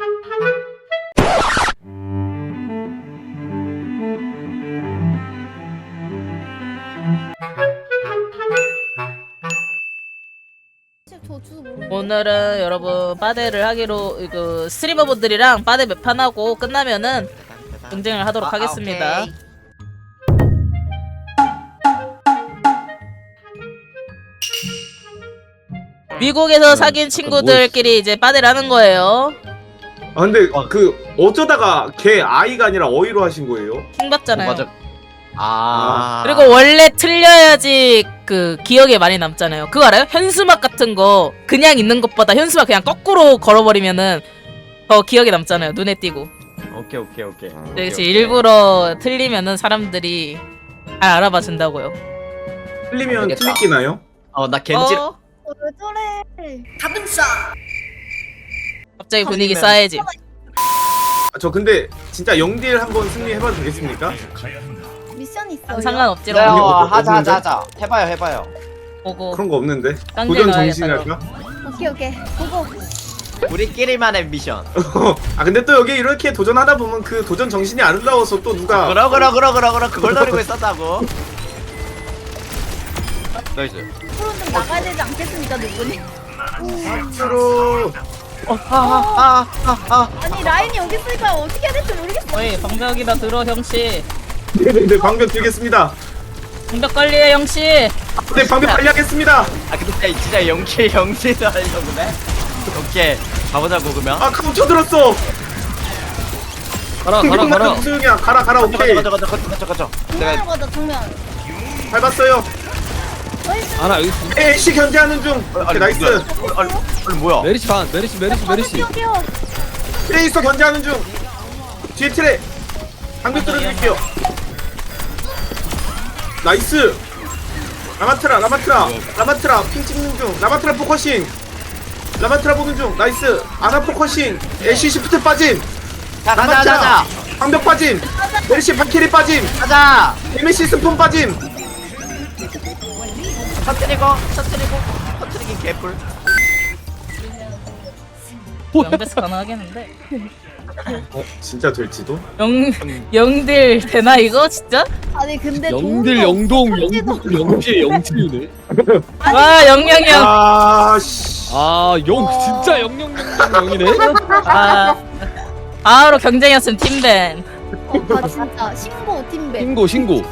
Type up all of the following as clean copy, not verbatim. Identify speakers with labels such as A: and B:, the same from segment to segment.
A: 오늘은 여러분 빠데를 하기로 그 스트리머분들이랑 빠데 몇 판 하고 끝나면은 경쟁을 하도록 하겠습니다.
B: 오케이.
A: 미국에서 사귄 친구들끼리 이제 빠데를 하는 거예요.
C: 아 근데 그 어쩌다가 걔 아이가 아니라 어이로 하신 거예요?
A: 킹 받잖아요.
B: 맞아. 아.
A: 그리고 원래 틀려야지 그 기억에 많이 남잖아요. 그거 알아요? 현수막 같은 거 그냥 있는 것보다 현수막 그냥 거꾸로 걸어버리면은 더 기억에 남잖아요. 눈에 띄고.
B: 오케이.
A: 그렇지. 일부러 틀리면은 사람들이 잘 알아봐 준다고요.
C: 틀리면
B: 모르겠다.
C: 틀리기나요?
B: 나 겐지.
D: 왜 저래?
A: 갑자기 분위기
B: 틀리면-
A: 쌓여지.
C: 아, 저 근데 진짜 영딜 한번 승리해봐도 되겠습니까?
D: 미션 있어요.
A: 상관없지롱.
B: 하자. 해봐요.
A: 보고
C: 그런 거 없는데.
A: 깡제
C: 도전
A: 넣어야겠다,
C: 정신이랄까?
D: 오케이. 보고.
B: 우리끼리만의 미션.
C: 아 근데 또 여기 이렇게 도전하다 보면 그 도전 정신이 아름다워서 또 누가
B: 그러 그걸 노리고 있었다고. 나이스.
D: 프로 좀 나가야 되지 않겠습니까, 누구니?
C: 앞으로
D: 아니 라인이 여기 있으니까 어떻게 해야 될지 모르겠어.
A: 어이 방벽이다 들어 형씨.
C: 네네네 방벽 들겠습니다.
A: 방벽 관리해 형씨.
C: 네 방벽 관리하겠습니다.
B: 근데 진짜 영실도 하려고 그래? 오케이. 가보자고 그러면.
C: 아 카운터 들었어.
E: 가라.
C: 무슨 소용이야? 가라 오케이.
B: 가자.
D: 정면으로 가자, 정면.
C: 밟았어요.
D: 나이스.
E: 하나 여기
C: 에이씨 견제하는 중. 오케이 나이스.
B: 아니 뭐야?
E: 메리시 반 메리시.
D: 뛰어.
C: 트레이서 견제하는 중. 뒤에 트레. 방벽 뚫어드릴게요. 나이스. 라마트라 핑 찍는 중. 라마트라 포커싱. 라마트라 보는 중. 나이스. 아나 포커싱. 애쉬 시프트 빠짐.
B: 가자.
C: 방벽 빠짐. 메리시 발키리 빠짐.
B: 가자.
C: 에메시 스폰 빠짐.
B: 터뜨리기 개뿔.
A: 영배스 가능하겠는데.
C: 진짜 될지도?
A: 영딜 되나 이거 진짜?
D: 아니 근데
E: 영들
D: 도움도
E: 영동
D: 없어,
E: 영실 영칠이네.
A: 와 영영영.
C: 아씨.
E: 아영 진짜 영영이네.
A: 아 바로 경쟁이었으면 팀벤.
D: 아 진짜 신고 팀배.
E: 신고.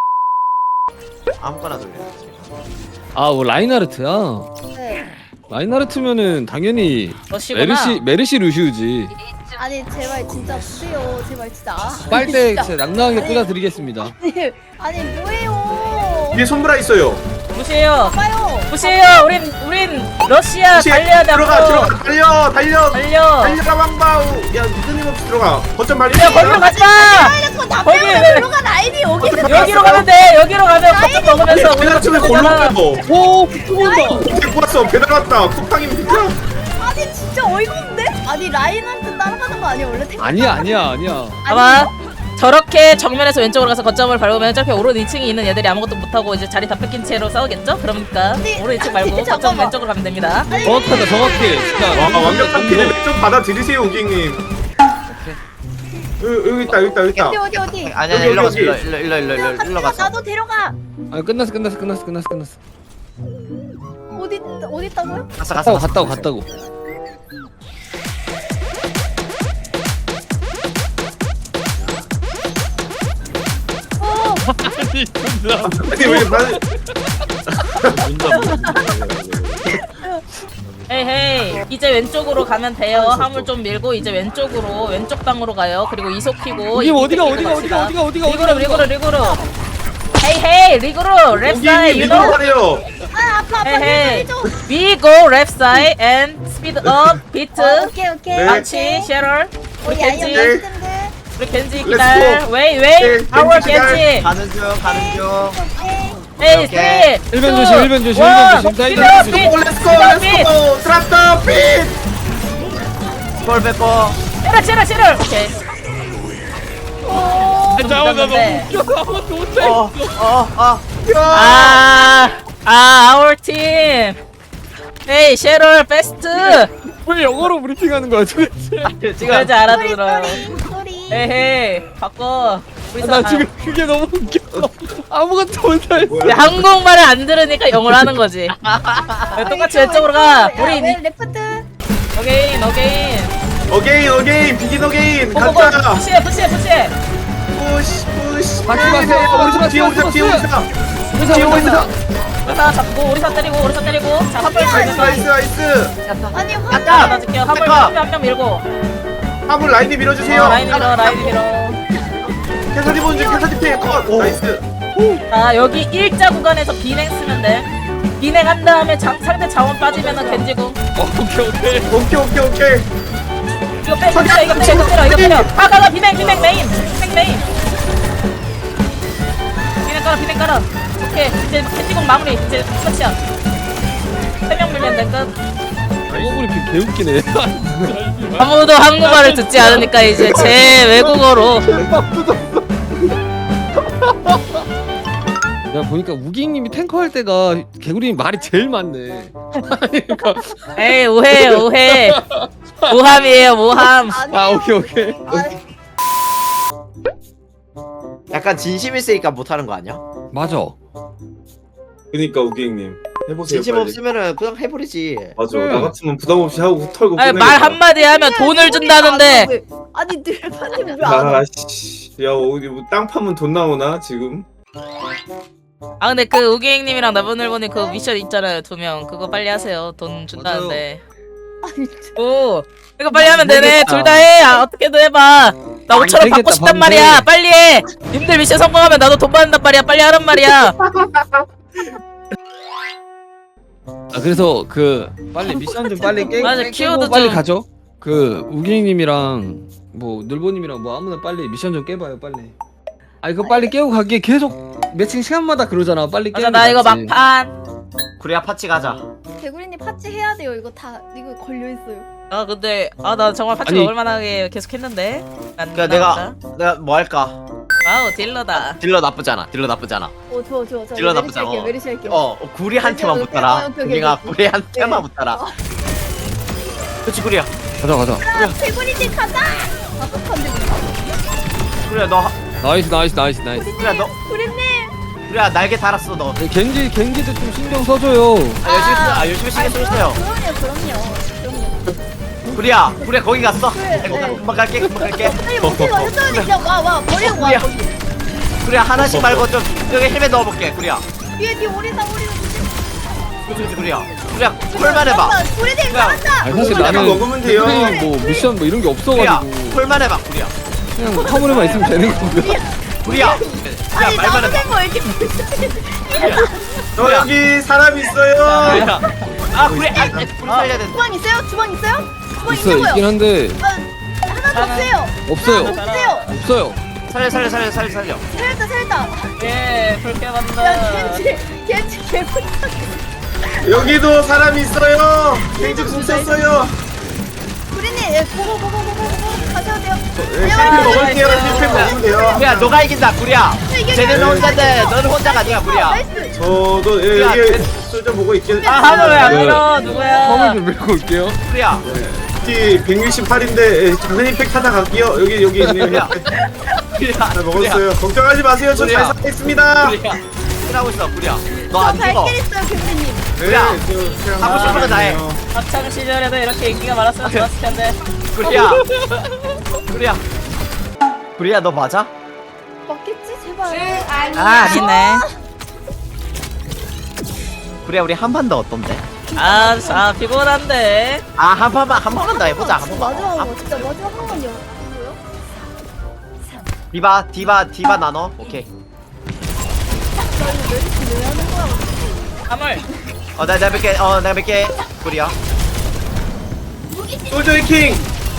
B: 아무거나 돌려.
E: 뭐 라인하르트야.
D: 네.
E: 라인하르트면은 당연히
A: 러시구나.
E: 메르시 루시우지.
D: 아니 제발 진짜 보세요. 제발 진짜.
E: 빨대
D: 진짜.
E: 진짜 낭낭하게
D: 아니.
E: 끓여드리겠습니다.
D: 아니 뭐예요?
C: 위에 손브라 있어요.
A: 무시해요.
D: 봐요.
A: 무시해요. 우린 러시아 달려야 돼.
C: 들어가
A: 앞으로.
C: 달려. 달려라 왕바우. 야 끊임없이 들어가. 거점 말리.
A: 야 거기로 가지 마.
D: 이렇게 다
A: 거기
D: 빼고
A: 왜-
D: 들어가 라인이 여기 있는
A: 여기로 가면 돼. 여기로 가면 거점 먹으면서
C: 배달 중에 골로 빼고.
E: 오 죽는다.
C: 데리고 왔어. 배달 왔다. 쿠팡이면 진짜.
D: 아니 진짜 어이가 없네. 아니 라인한테 따라가는 거 아니야 원래?
E: 아니야.
A: 봐봐. 저렇게 정면에서 왼쪽으로 가서 거점을 밟으면 저렇게 오른 2층에 있는 애들이 아무것도 못하고 이제 자리 다 뺏긴 채로 싸우겠죠? 그러니까
D: 아니,
A: 오른 2층 말고
D: 아니,
A: 거점
D: 잠깐만.
A: 왼쪽으로 가면 됩니다.
E: 정확해. 진짜.
C: 와 완벽한 피드백 좀 받아들이세요 우객님. 여기 있다.
D: 어디?
B: 아니야 일로 가자. 일로 가자.
D: 나도 데려가.
E: 아 끝났어.
D: 어디 있다고요?
E: 갔다고.
C: 아니 왜 말?
A: 헤이헤이 이제 왼쪽으로 가면 돼요. 화물 좀 밀고 이제 왼쪽 방으로 가요. 그리고 이속 키고
E: 이게 어디가
A: 리그로 헤이헤이 리그로 랩 사이 you know
C: 하래요.
D: 아 아파
A: 헤이헤이
D: 좀.
A: we go left side and speed up beat
D: 오케이.
C: 네.
A: 망치 쉐럴 우리
D: 야야
A: 겐지
D: 멋있던데.
A: 우리 겐지
C: Let's
A: 기다려
C: go.
A: 웨이
C: 네,
A: our
C: 겐지 기다려.
A: 겐지
B: 가는 중.
A: 헤이
B: 오케이.
A: 3
E: 일변 조심, 일변 조심.
C: 렛츠고. 트랍더 핏.
B: 스콜 뺏고.
A: 쉐럴 오케이 our team. Hey, Cheryl, best.
E: 왜 영어로 브리핑하는 거야 도대체?
B: 지금
A: 그래야지 알아들어요.
D: 쏘리.
A: 에헤이 바꿔. 우리
E: 나
A: 사-
E: 지금 그게 너무 웃겨. 아무것도 못할.
A: 근데 한국말을 안 들으니까 영어를 하는 거지. 똑같이 왼쪽으로 가. 우리
D: 왜 레프트?
A: 어게인 어게인.
C: 어게인 비긴 어게인
A: 고고고
C: 가자.
A: 푸시해 푸시해 푸시해.
C: 푸시.
E: 막지 마세요. 오리사
C: 뒤에 오리사 뒤에 오리사.
E: 오리사
C: 뒤에
E: 오리사.
A: 오리사 잡고 오리사 때리고 오리사 때리고. 자 화물
C: 나이스.
D: 아니
B: 아까!
D: 화면.
A: 받아줄게요. 화물
B: 잠깐!
A: 한 명 밀고.
C: 화물 라인이 밀어주세요.
A: 라인 밀어 라인 밀어.
C: 캐서디 보는 중 캐서디 피해 컷. 나이스.
A: 자 여기 일자 구간에서 비냉 쓰면 돼. 비냉한 다음에 상대 자원 빠지면은 겐지고.
C: 오케이.
A: 이거 빼 이거 때려. 가가 비냉 메인. 비냉 깔아. 오케이 이제 겐지공 마무리. 이제 끝이야. 3명 밀면 돼 끝.
E: 영어 브리핑 개웃기네.
A: 아무도 한국말을 듣지 않으니까 이제 제 외국어로.
E: 야 보니까 우기님이 탱커 할 때가 개구리님 말이 제일 많네. 아니 그러니까
A: 에이 오해. 모함이에요 모함.
D: 아니.
E: 아 오케이.
B: 약간 진심 있으니까 못하는 거 아니야?
E: 맞아.
C: 그니까 우기님 해보세요.
B: 진심
C: 빨리.
B: 없으면은 그냥 해버리지.
C: 맞아. 나 같으면 부담 없이 하고 털고.
A: 아니, 말 한마디 하면 돈을 준다는데.
D: 아니 늘파님 왜안 와?
C: 아씨. 야 어디 뭐땅 파면 돈 나오나 지금?
A: 아 근데 그 우기행님이랑 나분을보니 그 미션 있잖아요 2명 그거 빨리 하세요 돈 준다는데. 오 이거 빨리 하면 되네. 둘 다 해. 어떻게든 해봐. 나 5,000원 받고
E: 되겠다,
A: 싶단
E: 방금.
A: 말이야. 빨리 해. 님들 미션 성공하면 나도 돈 받는단 말이야. 빨리 하란 말이야.
E: 아 그래서 그 빨리 미션 좀 빨리
A: 맞아,
E: 깨고
A: 키워드
E: 빨리
A: 좀.
E: 가죠. 그 우기님이랑 뭐 늘보님이랑 뭐 아무나 빨리 미션 좀 깨봐요 빨리. 아 이거 빨리 깨고 가기에 계속 매칭 시간마다 그러잖아. 빨리 깨는
A: 맞아 나
E: 게
A: 이거
E: 낫지.
A: 막판.
B: 구리야 파치 가자.
D: 개구리님 파츠 해야 돼요. 이거 다 이거 걸려 있어요.
A: 아 근데 아 나 정말 파츠
E: 아니.
A: 먹을만하게 계속 했는데. 안
B: 그러니까
A: 나온다.
B: 내가 뭐 할까?
A: 와우 딜러다.
B: 딜러 나쁘잖아.
D: 좋아. 저
B: 딜러 나쁘지 않아.
D: 메리시 할게요.
B: 구리한테만
D: 오케이,
B: 붙어라.
D: 오케이.
B: 구리가 구리한테만
D: 네.
B: 붙어라. 그렇지 구리야.
E: 가자.
D: 아, 개구리님 가자. 아깝한데
B: 구리야 너
E: 나이스.
B: 구리야 너
D: 구리님.
B: 구리야 날개 달았어 너.
E: 겐지도 좀 신경 써줘요.
B: 열심히 신경 쓰세요.
D: 그럼요.
B: 구리야 거기 갔어.
D: 그래,
B: 아이고,
D: 네.
B: 금방 갈게.
D: 아니 못해 완전히 그냥 와 버리고 와.
B: 구리야.
D: 거기.
B: 구리야 하나씩 말고 좀 여기 헬멧 넣어볼게. 구리야.
D: 뒤에 오리다.
B: 그렇지 구리야. 콜만 해봐.
D: 구리님
B: 그냥.
D: 잘한다.
E: 아니 사실
C: 약간
E: 나는
C: 먹으면 돼요.
E: 뭐 미션 뭐 이런 게
B: 구리야
E: 없어가지고
B: 콜만 해봐 구리야.
E: 그냥 뭐 화물에만 있으면 되는 거고요.
B: 구리야.
D: 아니
B: 말만
D: 나도
B: 해봐.
D: 된거 이렇게
C: 저 여기 사람 있어요.
B: 구리야. 구리 구리 살려야 된다.
D: 주방 있어요? 주방 있어요? 주방
E: 있어 있긴
D: 있냐고요?
E: 한데
D: 하나 더 주세요.
E: 없어요.
D: 없어요.
B: 살려.
D: 살렸다.
A: 예 그렇게
D: 야
A: 만다.
D: 겐지 개구리.
C: 여기도 사람 있어요. 갱직 숨겼어요.
D: 구리님 예, 보고 가셔야 돼요.
C: 실패 먹을게요. 실패 먹으면 돼요.
B: 구리야 너가 이긴다 구리야. 쟤네는 혼자인데 너는 혼자가 아니야 구리야.
D: 나이스.
C: 저도
B: 야,
C: 여기 솔저 보고 있겠.
A: 아 하늘 왜안
E: 네.
A: 밀어
E: 화물
A: 누구야?
E: 좀 밀고 올게요.
B: 구리야.
C: 168인데 장난 임팩 하나 갈게요. 여기 있네요.
B: 구리야. 구리야.
C: 잘 먹었어요. 걱정하지 마세요. 저 잘
B: 구리야.
C: 살아있습니다.
B: 구리야. 하고 있어 구리야. 너
D: 저
B: 안 죽어.
D: 발길 있어요 겐지님.
C: 네,
B: 야,
C: 저 그냥
B: 하고 싶은 거다 해.
C: 나가네요.
A: 학창 시절에도 이렇게 인기가 많았으면 좋았을 텐데.
B: 구리야. 구리야 너 맞아?
D: 맞겠지 제발.
A: 아니네.
B: 구리야 우리 한 판 더 어떤데?
A: 아 피곤한데.
B: 한 판만 더 해보자. 한 번만.
D: 마지막으로 진짜 마지막 한 번요. 뭐요?
B: 디바 나눠. 오케이.
D: 나 이거 메리시 왜 하는 거야?
A: 화물.
B: 내가 뵐게. 구리야.
C: 솔저 킹.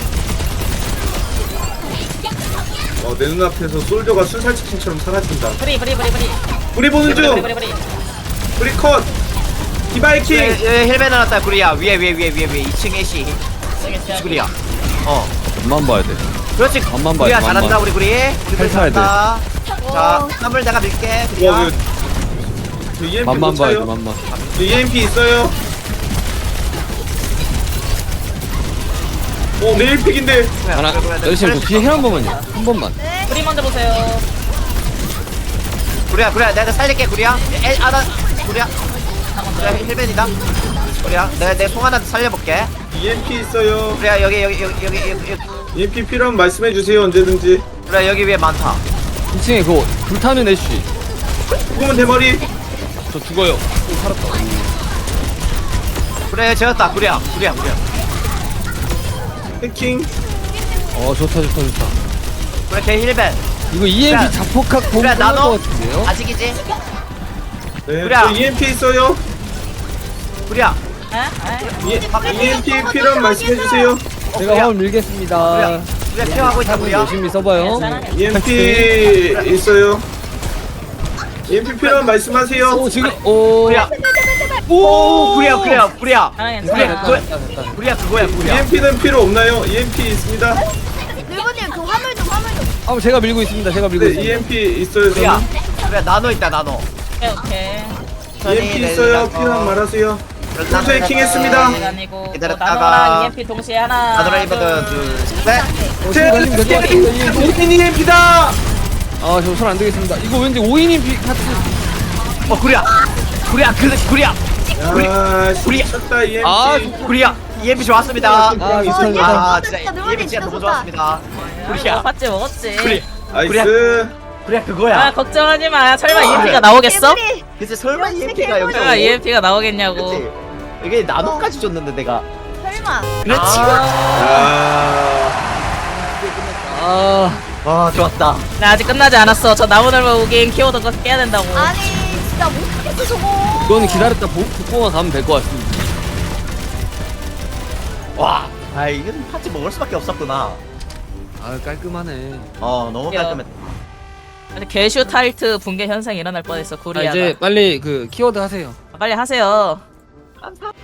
C: 내 눈앞에서 솔저가 순살치킨처럼 사라진다.
A: 브리.
C: 우리 보는 중. 우리 컷. 디바이 킹.
B: 헬멧 나왔다 구리야. 위에 2층 애쉬. 구리야.
E: 앞만 봐야 돼.
B: 그렇지.
E: 앞만 봐.
B: 구리야 잘한다 우리 구리.
E: 잘 타야 돼.
B: 잘한다. 자, 화물 내가 밀게. 구리야.
C: 와, 저 EMP
E: 맘만
C: 못
E: 봐야 돼.
C: 차요?
E: 맘만.
C: 저 EMP 있어요. 네일픽인데.
E: 하나 열심히 그 뒤에 힐 한 번만요. 한 번만.
A: 우리 먼저 보세요.
B: 구리야 내가 살릴게 구리야. 구리야. 구리야 힐벤이다. 구리야 내가 송하나한테 살려볼게.
C: EMP 있어요.
B: 구리야 여기.
C: EMP 필요하면 말씀해 주세요 언제든지.
B: 구리야 여기 위에 많다.
E: 2층에 그거 불타는 애쉬.
C: 죽으면 대머리.
E: 저 죽어요. 오, 살았다.
B: 구리야 재웠다. 구리야.
C: 해킹.
E: 좋다.
B: 구리야 걔 힐벤.
E: 이거 EMP 자폭학 보면
B: 그래,
E: 끝날
B: 나도.
E: 것 같은데요?
B: 아직이지?
C: 네.
B: 그래.
C: 저 EMP 있어요.
B: 구리야.
C: EMP 필요하면 말씀해 주세요.
E: 제가 화물 밀겠습니다.
B: 구리야 피하고 있다 구리야.
E: 열심히 써봐요.
C: EMP 있어요. EMP 필요하면 말씀하세요.
E: 오 지금 오.
B: 구리야. 오 구리야.
A: 괜찮아.
B: 구리야 그거야.
C: EMP는 필요 없나요? EMP 있습니다.
D: 늘보님 그 화물 좀.
E: 제가 밀고 있습니다.
C: 네, EMP 있어요.
B: 구리야.
C: 저는.
B: 구리야 나노 있다 나노.
A: 오케이.
C: EMP 있어요. 필요하면 말하세요. 풀 해킹했습니다.
A: 아니고
B: 기다렸다가
A: 나노랑 EMP 동시에 하나.
B: 나노라 이거든 둘셋
C: 오긴 EMP다.
E: 저 손 안 되겠습니다. 이거 왠지 5인인 피 같은.
B: 구리야 구리야
C: 야,
B: 우리-
C: 미쳤다 EMP.
B: 구리야 EMP 좋았습니다.
E: 좋다.
B: 진짜 EMP 진짜 너무 좋았습니다. 구리야
A: 봤지 먹었지.
B: 구리
C: 나이스.
B: 구리야 그거야.
A: 걱정하지 마. 설마
B: 아,
A: EMP가 나오겠어?
B: 그치 설마
D: 이런
B: EMP가 여기서
A: 설마 EMP가 나오겠냐고.
B: 그치 이게 나노까지 줬는데 내가
D: 설마.
B: 그렇지. 와 좋았다.
A: 나 아직 끝나지 않았어. 저 나무늘보 우기행 키워드 거 깨야 된다고.
D: 아니 진짜 못하겠어 저거.
E: 이거는 기다렸다 복고만 가면 될 것 같습니다.
B: 와, 이건 파츠 먹을 수밖에 없었구나.
E: 깔끔하네.
B: 너무
A: 야.
B: 깔끔했다.
A: 아직 개슈 타이트 붕괴 현상이 일어날 뻔했어. 구리야가.
E: 이제 빨리 그 키워드 하세요.
A: 빨리 하세요.